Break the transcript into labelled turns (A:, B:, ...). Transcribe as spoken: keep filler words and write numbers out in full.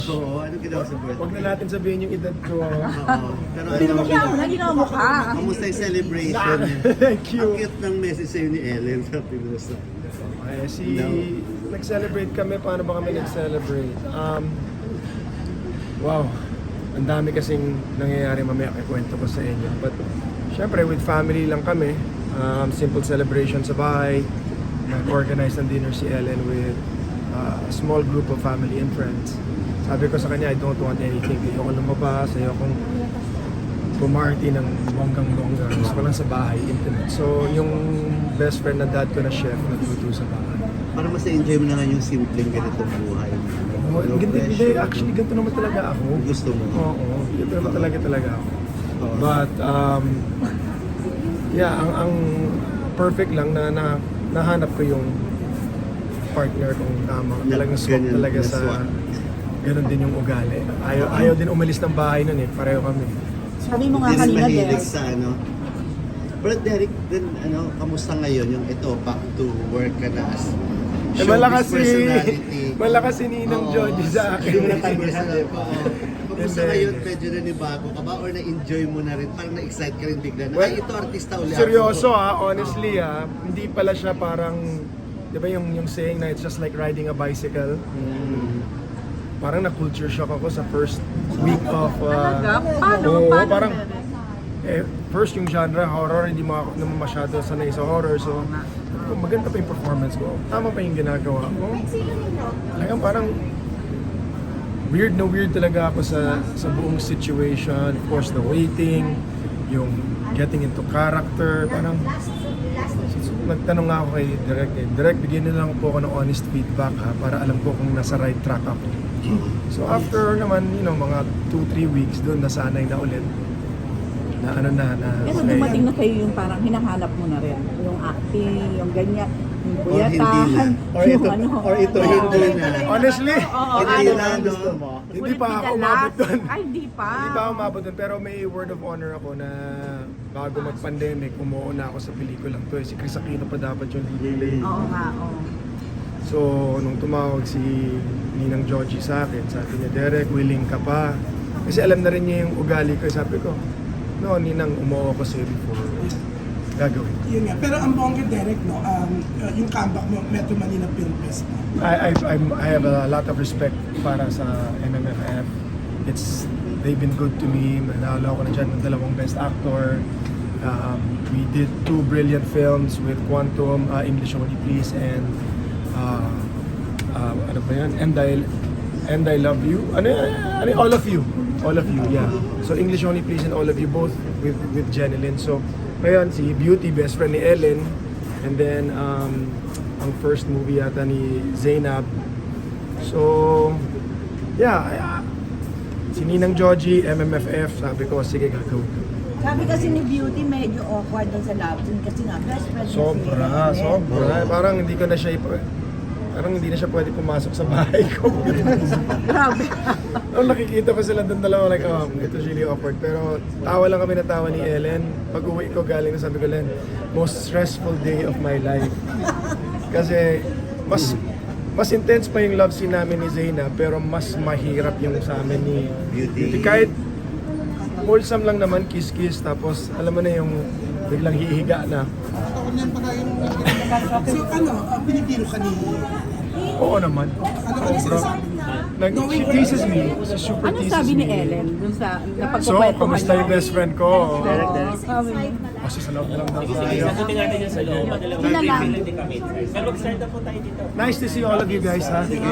A: Oo, ano ginawa sa birthday?
B: Huwag na natin sabihin yung edad ko.
A: Oo. Pero
C: Hindi
A: ano,
C: mo siya ako, ginawa mo ka.
A: kamusta yung celebration?
B: Thank you.
A: Ang cute ng message sa'yo ni Ellen sa Pinusa.
B: Ay, si...
A: No.
B: Nag-celebrate kami. Paano ba kami nag-celebrate? Um, wow. Ang dami kasing nangyayari, mamaya kikwento ko sa inyo. But, syempre, with family lang kami. Um, simple celebration sa bahay. Nag-organize ng dinner si Ellen with uh, a small group of family and friends. Sabi ko sa kanya, I don't want anything. Ayoko lumabas, ayokong pumarty ng bonggang-bongga. Gusto ko lang sa bahay, intimate. So, yung best friend na dad ko na chef, nagluto sa bahay.
A: Para mas enjoy mo na nga yung simpleng ganitong buhay.
B: Oh,
A: No
B: ganito, hindi,
A: pressure.
B: actually, ganito naman talaga ako.
A: Gusto mo?
B: Oo, ganito naman talaga talaga ako.
A: Oo.
B: But, um, yeah, ang, ang perfect lang na, na nahanap ko yung partner kong tama.
A: Na-
B: Talagang swak
A: ganyan,
B: talaga
A: na
B: sa...
A: swak.
B: Ganon din yung ugali. Ayaw, ayaw din umalis ng bahay nun eh. Pareho kami.
C: Sabi mo nga
A: Hindi rin
C: kanina,
A: mahilig
C: Des.
A: sa ano. Pero Derek, din, ano, kamusta ngayon yung ito, back to work ka na as
B: Eh, malakas si...
A: personality?
B: Malakas si Ninang
A: Oo.
B: Joji sa akin.
A: Hindi mo na tayo personality pa. Kamusta
B: Hindi.
A: ngayon, medyo nanibago ka ba? Or na-enjoy mo na rin? Parang na-excite ka rin bigla na,
B: Well,
A: ay, ito artista ulit.
B: Seryoso ah, honestly ah, hindi pala siya parang, di ba yung, yung saying na it's just like riding a bicycle?
A: Mm.
B: Parang na-culture shock ako sa first week of... Uh,
C: Talaga? Paano?
B: oo,
C: Paano?
B: parang, eh, first yung genre, horror, hindi mo ako naman masyado sanay sa horror. So, kung maganda pa yung performance ko, tama pa yung ginagawa ko. Talagang parang weird na weird talaga ako sa sa buong situation. Of course, the waiting, yung getting into character, parang nagtanong nga ako kay Direk eh. Direk, bigyan na lang po ako ng honest feedback ha, para alam ko kung nasa right track ako. So after naman, you know, mga two three weeks doon, nasanay na ulit. Na ano na, na
C: Pero
B: okay.
C: dumating na kayo yung parang hinahanap mo na rin. Yung acting, yung ganyan, yung
A: Or hindi na.
C: buyatahan,
A: Or
C: yung
A: ito,
C: ano.
A: or ito
C: Oo.
A: hindi na.
B: Honestly,
C: Oo,
A: Hindi
C: ano.
A: na, no?
B: hindi pa ako
C: Ulit
B: umabot doon.
C: Ay, hindi pa.
B: Hindi pa ako umabot doon, pero may word of honor ako na bago mag-pandemic, umuuna ako sa pelikulang to. Eh. Si Chris Aquino pa dapat yung lead.
C: Oo nga, oo.
B: So, nung tumawag si Ninang Joji sa akin, sabi niya, Derek, willing ka pa? Kasi alam na rin niya yung ugali ko. Sabi ko, no, Ninang, umuo ko sa'yo before. Gagawin.
D: Yun nga. Pero ang bongga, Derek, no, um, uh, yung comeback mo, Metro Manila Film Fest, no?
B: I, I, I'm, I have a lot of respect para sa M M F F. It's, they've been good to me. Nahalo ko na dyan ng dalawang best actor. Um, we did two brilliant films with Quantum, uh, English Only Please, and uh, uh, ano ba yan? And I, and I Love You. Ano, ano, all of you. All of you, yeah. So English Only Please and All of You, both with with Jenilyn. So, ngayon, si Beauty, best friend ni Ellen. And then, um, ang first movie yata ni Zainab. So, yeah, uh, si Ninang Joji, M M F F, sabi ko, sige, gagawin ko.
E: Sabi kasi ni Beauty medyo awkward din sa love scene kasi nga best friend niya si
B: Sobra,
E: Ellen.
B: sobra. Parang hindi ko na siya, ipa- parang hindi na siya pwede pumasok sa bahay ko.
C: Grabe.
B: Nung nakikita ko sila doon dalawa, like, oh, ito really awkward. Pero tawa lang kami na tawa ni Ellen. Pag uwi ko galing na sabi ko, Len, most stressful day of my life. Kasi mas mas intense pa yung love scene namin ni Zaina, pero mas mahirap yung sa amin ni
A: Beauty.
B: Kahit wholesome lang naman, kiss-kiss, tapos alam mo na yung biglang hihiga na.
D: So ano, uh, pinipiro ka ni...
B: Oo naman.
D: Ano ka sinasabi niya?
B: Nag, she teases me. She super
C: Ano
B: teases
C: sabi ni
B: me.
C: Ellen dun sa
B: So,
C: napagkukwentuhan
B: kamusta yung best friend ko?
C: Oo, sabi niya.
B: Kasi sa loob na lang daw tayo.
F: Sagutin natin yan sa loob.
C: Yun na lang.
F: Pero mag-start na po tayo dito.
B: Nice to see all of you guys, ha?